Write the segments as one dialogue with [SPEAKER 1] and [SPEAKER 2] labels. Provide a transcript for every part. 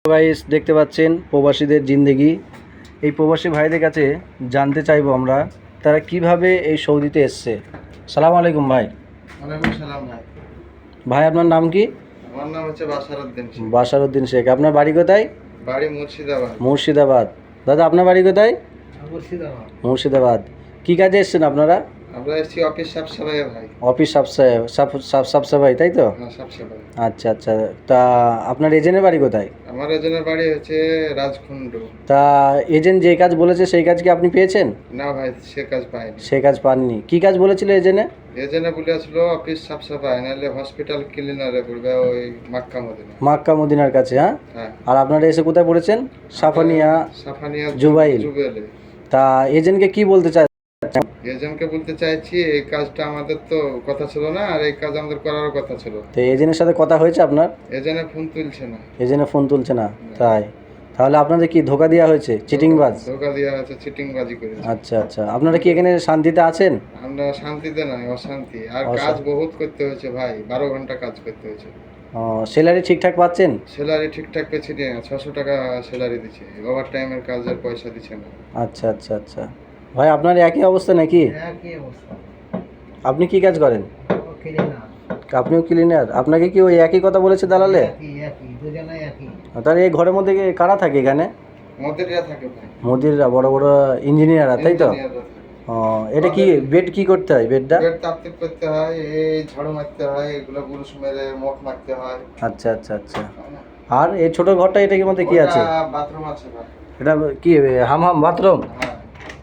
[SPEAKER 1] Guys দেখতে পাচ্ছেন প্রবাসীদের জিন্দেগি। এই প্রবাসী ভাইদের কাছে জানতে চাইবো আমরা তারা কিভাবে এই সৌদিতে এসছে। সালাম আলাইকুম ভাই।
[SPEAKER 2] ওয়ালাইকুম সালাম ভাই।
[SPEAKER 1] ভাই আপনার নাম কি?
[SPEAKER 2] আমার নাম হচ্ছে বাশারউদ্দিন শেখ।
[SPEAKER 1] বাশারউদ্দিন শেখ। আপনার বাড়ি কোথায়?
[SPEAKER 2] বাড়ি মুর্শিদাবাদ।
[SPEAKER 1] মুর্শিদাবাদ। দাদা আপনার বাড়ি কোথায়?
[SPEAKER 2] মুর্শিদাবাদ।
[SPEAKER 1] মুর্শিদাবাদ। কী কাজে এসছেন আপনারা?
[SPEAKER 2] আমরা এসেছি অফিস সাফসাফাই ভাই।
[SPEAKER 1] অফিস সাফসাফাই তাই তো?
[SPEAKER 2] হ্যাঁ সাফসাফাই।
[SPEAKER 1] আচ্ছা আচ্ছা। তা আপনার এজেন্টের বাড়ি কোথায়?
[SPEAKER 2] আমার এজেন্টের বাড়ি হচ্ছে রাজখুন্ড।
[SPEAKER 1] তা এজেন্ট যে কাজ বলেছে সেই কাজ কি আপনি পেয়েছেন?
[SPEAKER 2] না ভাই সে কাজ পাইনি।
[SPEAKER 1] সে কাজ পাননি। কী কাজ বলেছিল এজেন্টে?
[SPEAKER 2] এজেন্টে বলেছিল অফিস সাফসাফাই নাহলে হসপিটাল ক্লিনারে পড়বে ওই মাক্কা মদিনা।
[SPEAKER 1] মাক্কা মদিনার কাছে। হ্যাঁ।
[SPEAKER 2] হ্যাঁ।
[SPEAKER 1] আর আপনারা এসে কোথায় পড়েছেন?
[SPEAKER 2] Safaniya
[SPEAKER 1] Jubail. তা এজেন্টকে কি বলতে চায়?
[SPEAKER 2] এজেন্টকে বলতে চাইছি এই কাজটা আমাদের তো কথা ছিল না, আর এই কাজ আমাদের করারও কথা ছিল।
[SPEAKER 1] তো এজেন্টের সাথে কথা হয়েছে আপনার?
[SPEAKER 2] এজেন্টে ফোন তুলছে না।
[SPEAKER 1] এজেন্টে ফোন তুলছে না? তাই? তাহলে আপনাদের কি ধোকা দেওয়া হয়েছে? চিটিংবাজ?
[SPEAKER 2] ধোকা দেওয়া হয়েছে, চিটিংবাজি করেছে।
[SPEAKER 1] আচ্ছা আচ্ছা। আপনারা কি এখানে শান্তিতে আছেন?
[SPEAKER 2] আমরা শান্তিতে নয়, অশান্তি। আর কাজ বহুত করতে হয়েছে ভাই, 12 ঘন্টা কাজ করতে হয়েছে।
[SPEAKER 1] স্যালারি ঠিকঠাক পাচ্ছেন?
[SPEAKER 2] স্যালারি ঠিকঠাক পেয়েছি না, 600 টাকা স্যালারি দিচ্ছে, ওভার টাইমের কাজের পয়সা দিচ্ছে না।
[SPEAKER 1] আচ্ছা আচ্ছা আচ্ছা। ভাই আপনার একই অবস্থা নাকি?
[SPEAKER 2] একই অবস্থা।
[SPEAKER 1] আপনি কি কাজ করেন? আপনিও ক্লিনার। আপনাকে কি ওই একই কথা বলেছে দালালে? তাহলে এই ঘরের মধ্যে কারা থাকে এখানে?
[SPEAKER 2] মদিরা থাকে ভাই।
[SPEAKER 1] মোদিররা, বড় বড় ইঞ্জিনিয়াররা, তাই তো? এটা কি বেড কি করতে হয়? বেড
[SPEAKER 2] তাপতিপ করতে হয়, এই ঝাড়ু মারতে হয়, এগুলো বুরুশ মেরে মুখ মারতে হয়।
[SPEAKER 1] আচ্ছা আচ্ছা আচ্ছা। আর এই ছোট ঘরটা এটার মধ্যে কি আছে?
[SPEAKER 2] বাথরুম আছে ভাই।
[SPEAKER 1] এটা কি হাম বাথরুম?
[SPEAKER 2] হ্যাঁ।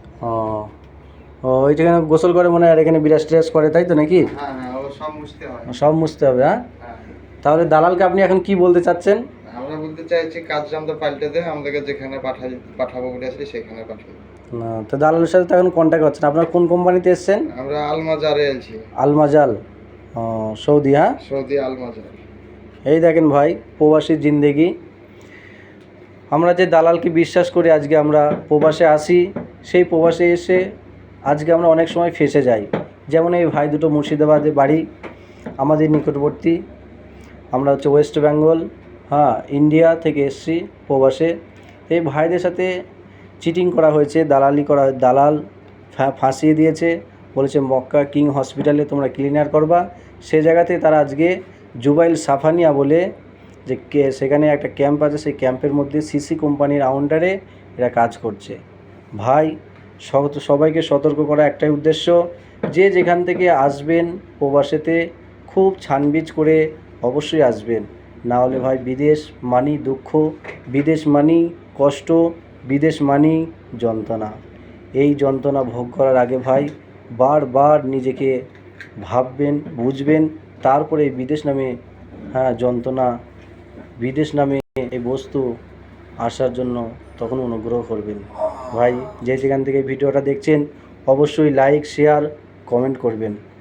[SPEAKER 1] ও এইখানে গোসল করে মনে হয়, আর এখানে বিরাজ টিরাজ করে, তাই তো নাকি?
[SPEAKER 2] হ্যাঁ হ্যাঁ, ও সব মুছতে হয়।
[SPEAKER 1] সব মুছতে হবে। হ্যাঁ।
[SPEAKER 2] হ্যাঁ।
[SPEAKER 1] তাহলে দালালকে আপনি এখন কি বলতে চাচ্ছেন?
[SPEAKER 2] আমরা বলতে চাইছি কাজটা আমাদের পাল্টে দেয়, আমাদেরকে যেখানে পাঠাবো বলে আসলে সেখানে পাঠাবো।
[SPEAKER 1] না, তো দালালের সাথে তো এখন কন্ট্যাক্ট হচ্ছে না। আপনারা কোন কোম্পানিতে এসেছেন?
[SPEAKER 2] আমরা আলমাজারে এসেছি।
[SPEAKER 1] Almajal, Saudi. হ্যাঁ,
[SPEAKER 2] সৌদি আলমাজার।
[SPEAKER 1] এই দেখেন ভাই, প্রবাসীর জিন্দেগি। আমরা যে দালালকে বিশ্বাস করে আজকে আমরা প্রবাসে আসি, সেই প্রবাসে এসে আজকে আমরা অনেক সময় ফেঁসে যাই। যেমন এই ভাই দুটো মুর্শিদাবাদে বাড়ি, আমাদের নিকটবর্তী। আমরা হচ্ছে ওয়েস্ট বেঙ্গল, হ্যাঁ, ইন্ডিয়া থেকে এসছি প্রবাসে। এই ভাইদের সাথে চিটিং করা হয়েছে, দালালি করা, দালাল ফাঁসিয়ে দিয়েছে। বলেছে মক্কা কিং হসপিটালে তোমরা ক্লিনার করবা। সে জায়গাতে তারা আজকে জুবাইল সাফানিয়া বলে যে সেখানে একটা ক্যাম্প আছে, সেই ক্যাম্পের মধ্যে সিসি কোম্পানির আন্ডারে এরা কাজ করছে। ভাই সবাইকে সতর্ক করা একটাই উদ্দেশ্য, যে যেখান থেকে আসবেন প্রবাসেতে খুব ছানবিজ করে অবশ্যই আসবেন। না হলে ভাই বিদেশ মানি দুঃখ, বিদেশ মানি কষ্ট, বিদেশ মানি যন্ত্রণা। এই যন্ত্রণা ভোগ করার আগে ভাই বারবার নিজেকে ভাববেন, বুঝবেন, তারপরে বিদেশ নামে, হ্যাঁ, যন্ত্রণা, বিদেশ নামে এই বস্তু আসার জন্য তখন অনুগ্রহ করবেন। ভাই যে যেখান থেকে ভিডিওটা দেখছেন অবশ্যই লাইক, শেয়ার, কমেন্ট করবেন।